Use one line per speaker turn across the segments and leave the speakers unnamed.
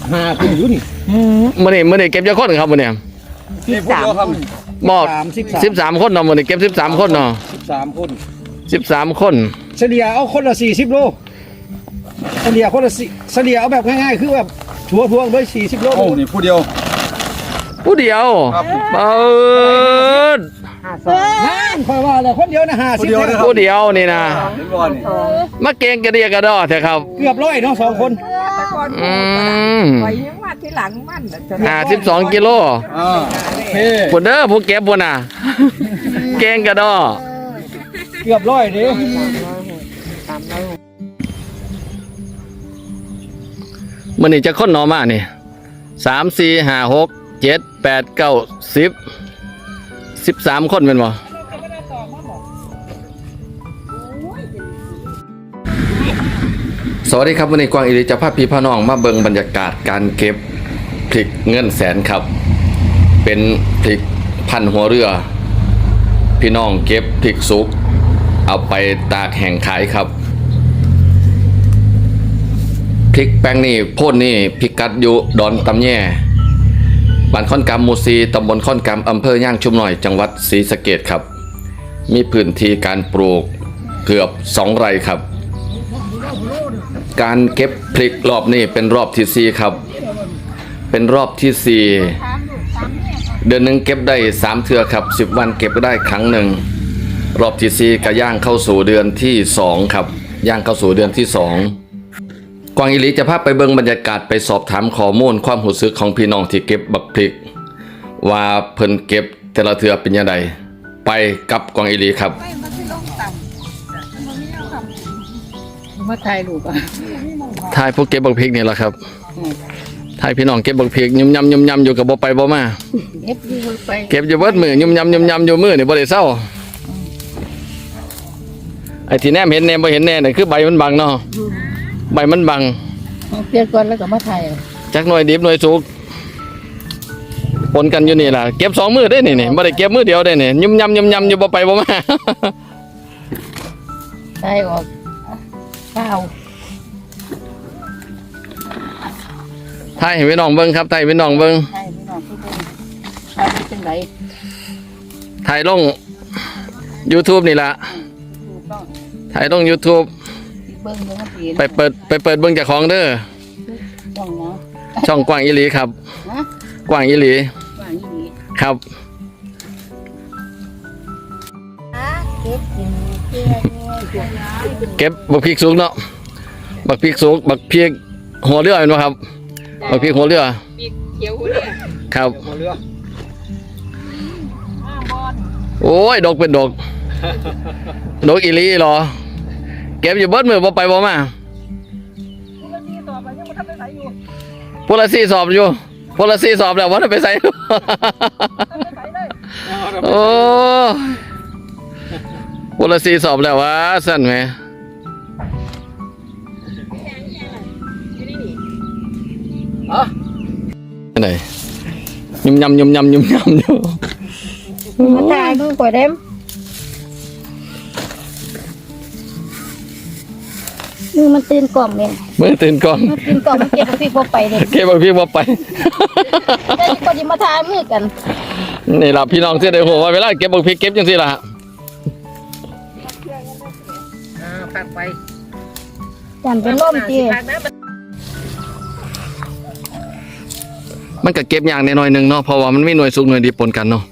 5คนอยู่นี่
มื้อนี้เก็บจักคนครับมื้อนี้
นี่พวกเราครับ
บอก13คนเนาะมื้อนี้เก็บ13คนเนาะ
13คน
13คน
เฉลี่ยเอาคนละ40โลเฉลี่ยคนละเฉลี่ยเอาแบบง่ายๆคือแบบทั่วๆเลย40โลโอ้นี่ผู้เดียว
เปิด
ค่อยว่าแล้วคนเดียวนะ50
ผู้เดียวนี่นะมาเก่งกระเดียกระดอเถอะครับ
เกือบ100เนาะ2คน
ไปยังมาที่หลังมัน
52กิโลพุ่นเด้อผู้เก็บพุ่นน่ะเก่งกระดอ
เกือบ100เด้
มื้อนี้จะคนหนอมานี่3 4 5 6 7 8 9 10 13คนเป็นบ่สวัสดีครับวันนี้กวางอิริจะพาพี่พ่อน้องมาเบิ่งบรรยากาศการเก็บพริกเงินแสนครับเป็นพริกพันหัวเรือพี่น้องเก็บพริกสุกเอาไปตากแห้งขายครับพริกแป้งนี่โพ่นนี่พิกัดอยู่ดอนตำแย่บ้านค่อนกำหมู่ 4 ตำบลค่อนกำอำเภอย่างชุมหน่อยจังหวัดศรีสะเกษครับมีพื้นที่การปลูกเกือบ2 ไร่ครับการเก็บพริกรอบนี้เป็นรอบที่4ครับเป็นรอบที่4เดือนหนึ่งเก็บได้3 เทื่อครับ10 วันเก็บได้ครั้งหนึ่งรอบที่4ก็ย่างเข้าสู่เดือนที่2ครับย่างเข้าสู่เดือนที่2กวางอิริจะพาไปเบิ่งบรรยากาศไปสอบถามข้อมูลความรู้สึกของพี่น้องที่เก็บบักพริกว่าเพิ่นเก็บแต่ละเทื่อเป็นยังไงไปกับกวางอิริครับ
มาถ่ายรูปอ่ะ
ถ่ายพวกเก็บบักพริกนี่แหละครับถ่ายพี่น้องเก็บบักพริกยุ่มยำอยู่กับบ่ไปบ่มาเก็บอยู่เบิดมือยุ่มยำอยู่มือนี่บ่ได้เศร้าไอ้ที่แนมเห็นแนมบ่เห็นแน่นี่คือใบมันบังเนาะใบมันบัง
เปลี่ยนก่อนแล้วก็มาถ่าย
จักหน่วยดิบหน่วยสุกปนกันอยู่นี่ล่ะเก็บ2 มือได้นี่บ่ได้เก็บมือเดียวได้นี่ยุ่มยำอยู่บ่ไปบ่มา
ถ่ายออกเปล่า
ถ่ายให้พี่น้องเบิ่งครับถ่ายพี่น้องเบิ่ง
ถ่ายเป็นไง
ถ่ายลง YouTube นี่ล่ะถ่ายลง YouTube ไปเปิดเบิ่งจากของเด้อช่องกว้างอิลีครับกว้างอิลีครับเก็บบักพริกสุกเนาะบักพริกสุกบักพริกหัวเรือเห็นไหมครับบักพริกหัวเรือ
เขียวหัวเรือ
ครับโอ้ยดกเป็นดกอิลีเหรอเก็บอยู่เบิดมือบ่ไปบ่มาพลสีสอบอยู่พลสีสอบแล้วว่าไปใส่โอ้พลสีสอบแล้ววะสั่นไหมไหนยุ่มยำอยู่
มาถ่ายดูก่อนเด้มมือมันตื่นกล่อมเลย
มือตื่นกล่อม
มันตื่นกล่อมมันเก็บบักพริกบ่ไปเลย
เก็บบักพริกบ่ไป
แต่ก็จะมาทายมือกัน
นี่ล่ะพี่น้องเสื้อแดงหัวเวลาเก็บบักพริกเก็บจังซี่ล่ะ
พักไปจันเป็นลมจี
มันก็เก็บอย่างน้อยนึงเนาะเพราะว่ามันมีหน่วยสุกหน่วยดิบปนกันเนาะ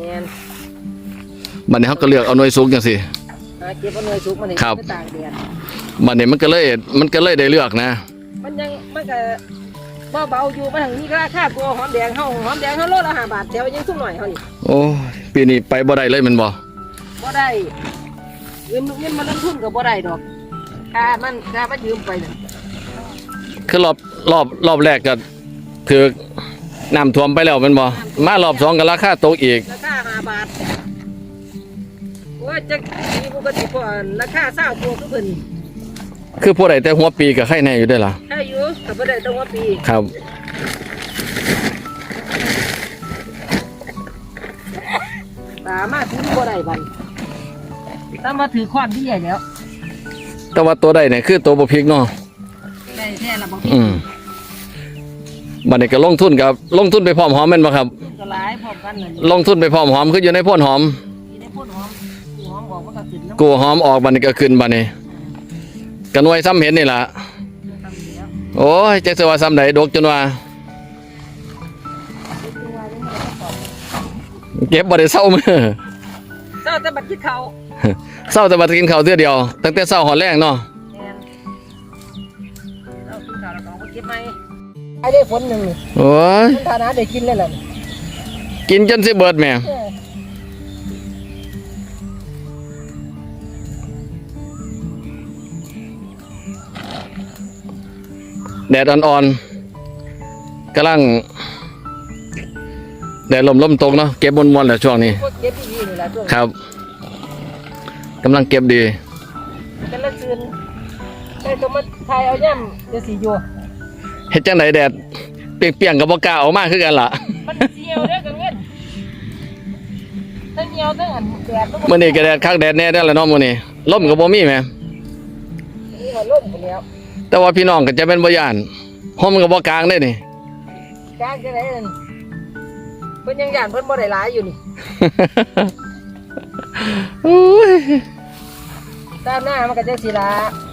บัดนี้เขาก็เลือกเอาหน่วยสุกจังซี่
เก็บเอาหน่วยสุกมา
ครับบัดนี้มันก็เลยได้เลือกนะ
มันก็เบาอยู่มาทางนี้ก็ราคาตัวหอมแดงเฮาโลละ5 บาทแถวยังสุ่มหน่อยเฮานี่
โอ้ปีนี้ไปบ่ได้เลยมันบ่
ได้เงินมันลงทุนก็บ่ได้ดอกค่ามันยืมไปน่ะ
คือรอบแรกก็ถือน้ำท่วมไปแล้วมันบ่มารอบ2ก็ราคาตกอีก
ราคา5 บาทว่าจะมีปกติพอราคา20ตัวคือเพิ่น
คือผู้ใดแต่หัวปีก็ไข่แน่อยู่ได้ล่ะ
ใช่อยู่แต่บ่ได้แต่หัวปี
ครับ
ตามาถือบ่ได้บัดตามาถือค้อนที่ใหญ่แล้ว
แต่ว่าตัวใดเนี่ยคือตัวบักพริกเนาะ
ได้แท้ละบักพริก
บัดนี้ก็ลงทุนไปพร้อมหอมแม่นบ่ครับ
ก็หลายพร้อมกันเลย
ลงทุนไปพร้อมหอมคืออยู่ในโพ่นหอม
มีได้พ่นหอมหอมบอกว่าก็ขึ้นแล้ว
กูหอมออกบัดนี้ก็ขึ้นบัดนี้ก็หน่วยซ้ำเห็นนี่ล่ะ
ทำแล้ว
โอ้ยจักสิว่าซ้ำใดดกจนว่าเก็บบ่ได้เศร้ามื้อ
เจ้าแต่บัดคิดเขา
เศร้าแต่บัดกินข้าวเทื่อเดียวตั้งแต่เช้าหอดแรงเนาะ
แทนเจ้ากินข้าวแล้วก็เอาไปเก็บไหมไอ้ได้ฝนหนึ่งนี่
โอ้ย
มันฐานะได้กินเลยแหละนี่
กินจนสิเบิดแม่
เออ
แดดอ่อนๆกำลังแดดลมตกเนาะเก็บมวนๆแหละช่วงนี้
พวกเก็บดีๆนี่แหละช่วง
ครับกำลังเก็บดี
กันละคืนได้ตัวมาทายเอาย่ำเดี๋ยวสีอยู่
เฮ็ดจังไดแดดเปรียงๆกับบ่กล้าออกมาคือกันล่ะ
มันเสียวเด้อกังเงินทั้งเหี่ยวทั้งอันแดดทั้ง
มื้อนี้ก็แดดคักแดดแน่ได้อแล้วเนาะมื้อนี้ลมก็บ่มีแหม
นี่หัวล่มไปแล้ว
แต่ว่าพี่น้องก็จะเป็นบ่ย่านห่มก็บ่กลางได้นี่
กลางจะไหนนั่นเพิ่นยังย่านเพิ่นบ่ได้หลายอยู่นี่
โอ้ย
ตามหน้ามันก็จะสีละ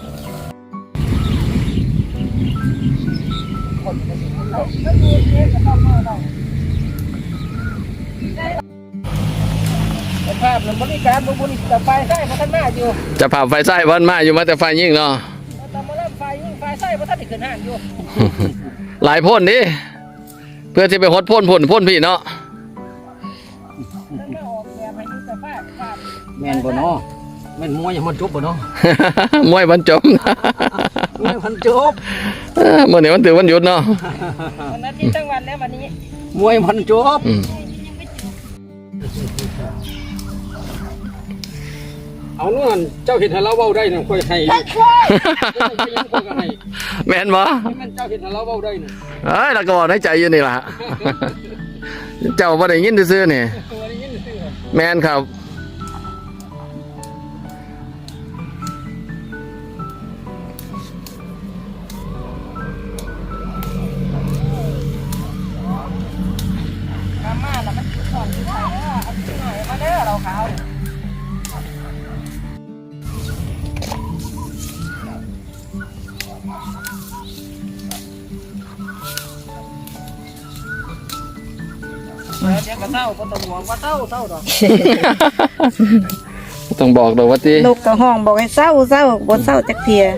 ภาพมันบริการบุญแต่ไฟใส่พัฒนาอยู่
จะพาไฟใส่วันมาอยู่มาแต่ไฟยิ่งเนาะ
แต่มาเริ่มไฟยิ่งไฟใส่พัฒนาขึ้นห้างอยู่
หลายพ่นดิเพื่อที่ไปฮดพ่นพี่เนาะ
แล้วมาออกแบบให้ดูแต่ภาพ
แม่นบ่เนาะแม่นมวยยังมันจบบ่เนาะ
มวยบรรจบ
มวยมันจบ
เมื่อนี้มันถือวันหยุดเนาะ
วันอาทิตย์ทั้งวันแล้ววันนี้
มวยมันจบ
อืม
เอาเงินเจ้าเห็นให้เราเว้าได้น่ะค่อยให้ค่อยให้
แม่นบ่
แม่นเจ้าเห็นให้เราเว้าได้น่ะ
เอ้ยเราก็บอกในใจอยู่นี่ล่ะ เจ้าบ่ได้ยินซื่อๆนี่
ตัวนี้ยินซื่อ
แม่นครับ
มาแล้วมันถอนที่ไหนเอาที่ไหนมาเด้อเราขาว เดี๋ยวก็เศร้าก็ต้องห่วงว่าเศร้าดอก
ต้องบอกดอกว่าติ
นกกระห้องบอกให้เศร้าบ่เศร้าจักเทีย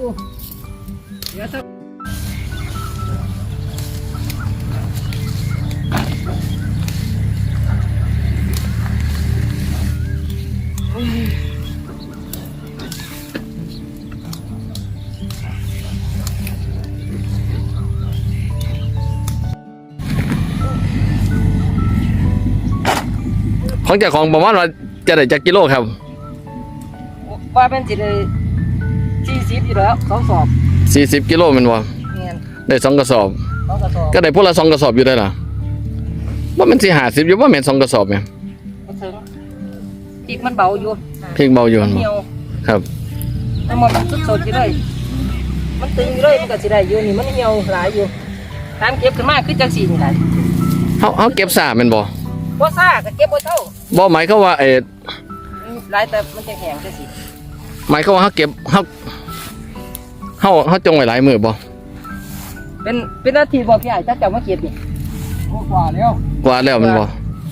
ของเจ้าของประมาณว่าจะได้จักกิโลครับ
ว่าเป็นสิเลย40อยู่แล้ว2 สอบ
40กิโลแม่นบ่
เงี้ย
ได้2กระสอบ
2 กระสอบ
ก็ได้พวกละ2กระสอบอยู่ได้ล่ะว่ามันสิ50อยู่ว่าแม่น2กระสอบแม่น
มาถึงอีกมันเบาอยู่
เพียงเบาอยู่นั่นบ่
เหี่ยว
ครับ
แต่หมดสดๆอยู่เลยมันตึงอยู่เลยมันก็สิได้อยู่นี่มันเหี่ยวหลายอยู่ตามเก็บขึ้นมาคือจังซี่นี่แหละ
เฮาเก็บซ่าแม่นบ่
บ่ซ่าก็เก็บบ่เท่า
บ่หมายเขามว่า
หลายแต่มันจะแห้งจังซี่
หมายเขามว่าเฮาเก็บเฮาจงไว้หลายมื้อบ่
เป็นหน้าที่บอกพี่ใหญ่ถ้าเจ้ามาเก็บนี่
ๆกว่าแล้ว
กว่าแล้วแมันบ่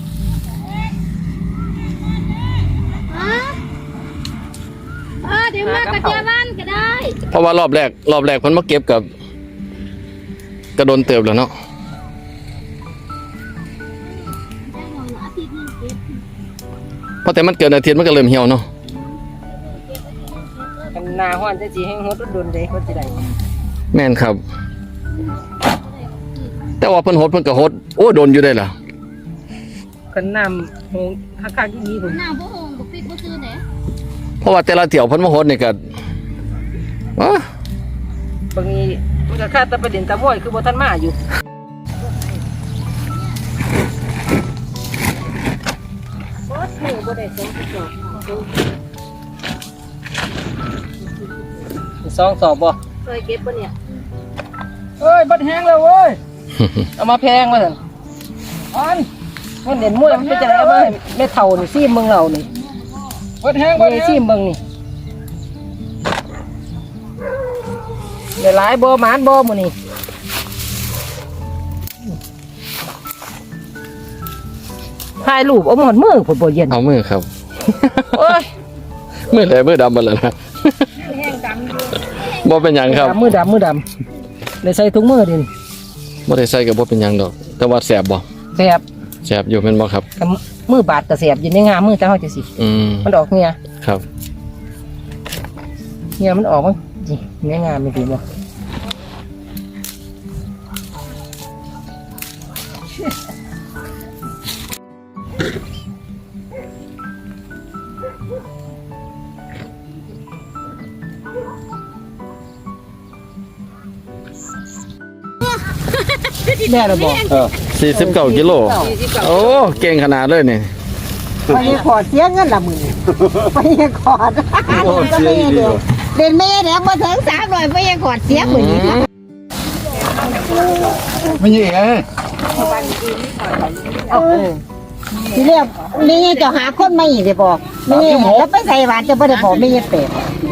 เดี๋ยวมากระเทียมบ้านก็ได้
เพราะว่ารอบแรกเพิ่นมาเก็บกับกระโดนเติบแล้วเนาะ
อาทิตย์นึงเก็บ
เพราะแต่มันเกิดอาทิตย์มันก็เริ่มเหี่ยวเนาะ
กันหน้าฮ้อนจังซี่ให้ฮดโดนๆเด้ก็สิได้
แม่นครับ แต่ว่าเพิ่นโพิ่นก็โอ้โดนอยู่ได้ล่ะ
กันน้ำโหงคักๆที่นี่ผม
หน้าบ่หงบ่ปิดบ่ซื้อไหน
เพราะว่าแต่ละเที่ยวเพิ่นมาโนี่ก็อ๋อบ
างทีมันก็ค่าแตะประเด็นตะม้อยคือบ่ทันมาอยู่บ่ซื้อบ่ได้2 สอบบ่
เคยเก็บบ่เนี่ย
เอ้ยบัดแห้งแล้วเว้ยเอามาแพงว่าซั่นมันเด่นมวยมันเป็นจังได๋มาให้แม่เฒ่านี่ซีมเมืองเรานี่
เปิดแห้งเปิด
นี่
แห้ง
ซีมเมืองนี่ได้หลายบ่หมานบ่มื้อนี้ถ่ายรูปเอาหมอนมือพุ่นบ่เย็น
เอามือครับ
โอ้ย
มือไหนมือดำมาแล้วนะบ่เป็นหยังครับ
มือดำเลยใส่ถุงมือดิ
บ่ได้ใส่กับบ่เป็นหยังดอก แต่ว่าแสบบ่
แสบ
แสบอยู่แม่นบ่ครับ
กับมือบาดก็แสบอยู่ในงามมือจังเฮาจังสิ
อืม
มันออกเหี่ย
ครับ
เหี่ยมันออกมั้งนี่ในงามมีดีบ่แม่ละบ่
49กิโลโอ้เก่งขนาดเลยนี่
ไปขอเสียเงินละมื้อไปขอดเด่นแม่แดงบ่ถึง300ไปขอดเสียมื้อนี้
ไม่ใช่ไง
ทีแรกนี่จะหาคนมาอีกได้บอกนี่แล้วไปใส่หวานจะบ่ได้บอกไม่ยัเป็ด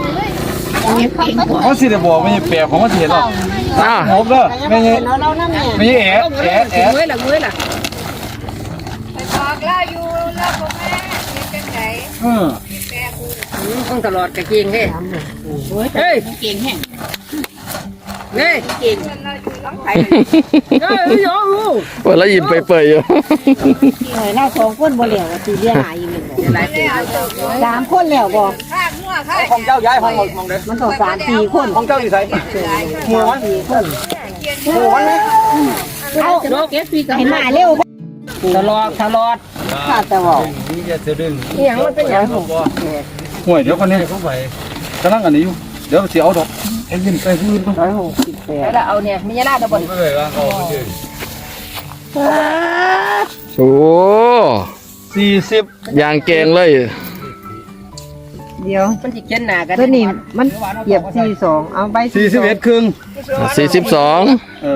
เขาสิได้บอกไม่ใช่แปลกของเขาสิเห็นหรอก
อ้าว
หกเด้อไม่ใช่
เรานั่นแหละ
ไม่ใช่แอะแอะแอะ
เมื่อยล่ะ
บอกเล่าอยู่แล้วพ่อแม่เป็นจังได
ต้องตลอดกะเก่งเด้เฮ้ยเก่งแฮงเฮ้ยเก่งเฮ้ยโย
ว่าแล้วยิ้มไปเปื่อยอยู่
เรา2คนบ่แล้วสิเรียหาอีก1
หลายปี
3คนแล้วบ่
ข้างหัวข้าง
ของเจ้าย้ายห้องมองเด้อ
มันต้อง3 4คน
ของเจ้าอยู่ไส
หัว4คนเอาให้มาเร็ว
ตลอด
ข้าแต่ว่า
นี่จะเสือดึง
นี่หยังมันเป็นหยัง
ห่วยเดี๋ยวคนนี้เขาไปกำลังอันนี้อยู่เดี๋ยวสิเอาดอกไอ้ยินไปพื้น
แล้วเอาเนี่ยมียาลาดบ่
ก็เลยว่าเขาไป
โอ้
40
ยางเก่งเลย
เดี๋ยว
มันสิเขียนหน้ากัน
ตัวนี้มันเหยียบ42เอาใบ
41ครึ่ง
42
เออ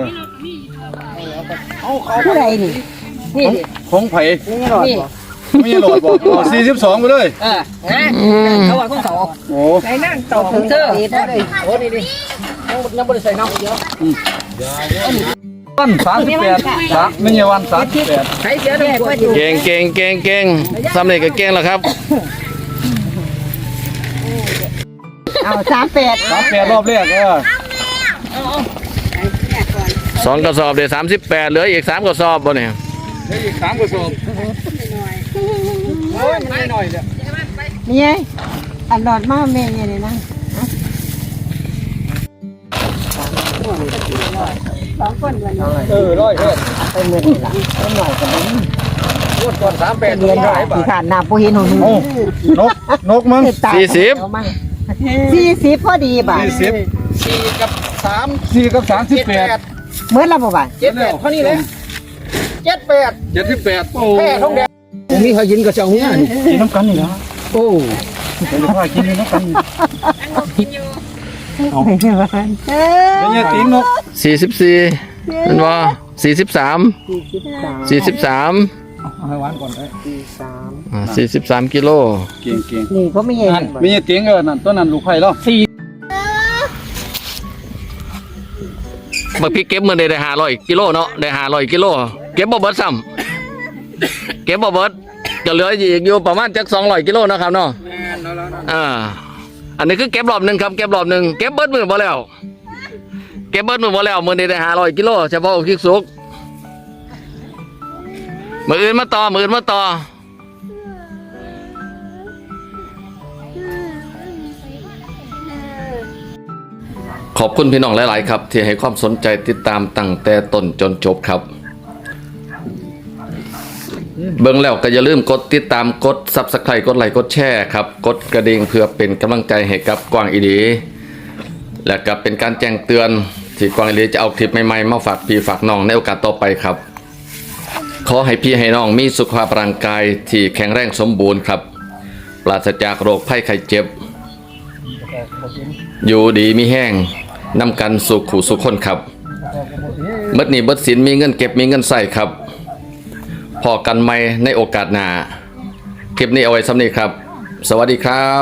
ผู้ใดนี่
นี่ดิ
ของไผ
นี่หลอด
นี่
บ่
ไม่ใช่หลอดบอกเอา42ไปเลย
นะเขาว่าของเขา
โอ้
ใส่นั่งต่อของเธอโอ้นี่ดิยังบ่ได้ใส่น้ำเยอะ
วัน38ไม่ใช่วัน38
ใช้เสียด้วย
เก่งเก่งเก่งเก่งสำเร็จก็เก่งแล้วครับ
เอา38
38รอบแรก
2กระสอบเดี๋ยว38เหลืออีก3กระสอบบ่เนี่ย
อีก3กระสอบโอ้ยมันน้อยๆเนี่ย
นี่ไงอันหลอดมาแม่เนี่ยนี่นะ2คนวันนี้
ร้อยเฮ็ด
ไปเมื่อนี่ล่ะเอาหน่อยก็บ่
งวดก่อน38
เรียนได้สิขาดน้ำบ่เห็นหนู
โอ้นกมั้ง
40พอดีบ่ะ
4กับ38
เมื่อละบ่บ่ะ
78เท่านี้เลย78โอ้แพ้ทองแดง
มีเขายินกับเจ้าเนี่ย
กินน้ำกันนี่นะ
โอ้
เป็นว่ากินน้ำกัน
ไม่ใช่ว่าเออ
เป็นยังติ๋งนก
44เป็นว่า43
ให้หวานก่อนได้
43กิโล
เก่ง
นี่ก็ไม่ใช่
นั่นมีติ๋งนั่นตัวนั้นลูกไผ่แล้ว
บักพริกเก็บมื้อได้500กิโลเนาะได้500กิโลเก็บบ่เบิดซ้ำเก็บบ่เบิดก็เหลืออีกอยู่ประมาณจัก200กิโลเนาะครับเนาะอันนี้คือเก็บรอบหนึงครับเก็บรอบหนึงเก็บเบิดมื้อบ่แล้วเก็บเบิดมื้อบ่แล้วมื้อนี้ได้500กิโลเฉพาะพริกสุกมื้ออื่นมาต่อขอบคุณพี่น้องหลายๆครับที่ให้ความสนใจติดตามตั้งแต่ต้นจนจบครับเบิ่งแล้วก็อย่าลืมกดติดตามกด Subscribe กดไลค์กดแชร์ครับกดกระดิ่งเพื่อเป็นกำลังใจให้กับกวางอีดีและก็เป็นการแจ้งเตือนที่กวางอีดีจะเอาคลิปใหม่ๆมาฝากพี่ฝากน้องในโอกาสต่อไปครับขอให้พี่ให้น้องมีสุขภาพร่างกายที่แข็งแรงสมบูรณ์ครับปราศจากโรคภัยไข้เจ็บอยู่ดีมีแห้งนำกันสุขขู่สุขคนครับเบิดหนี้เบิดสินมีเงินเก็บมีเงินใส่ครับพอกันใหม่ในโอกาสหน้าคลิปนี้เอาไว้ซ้ำนี้ครับ สวัสดีครับ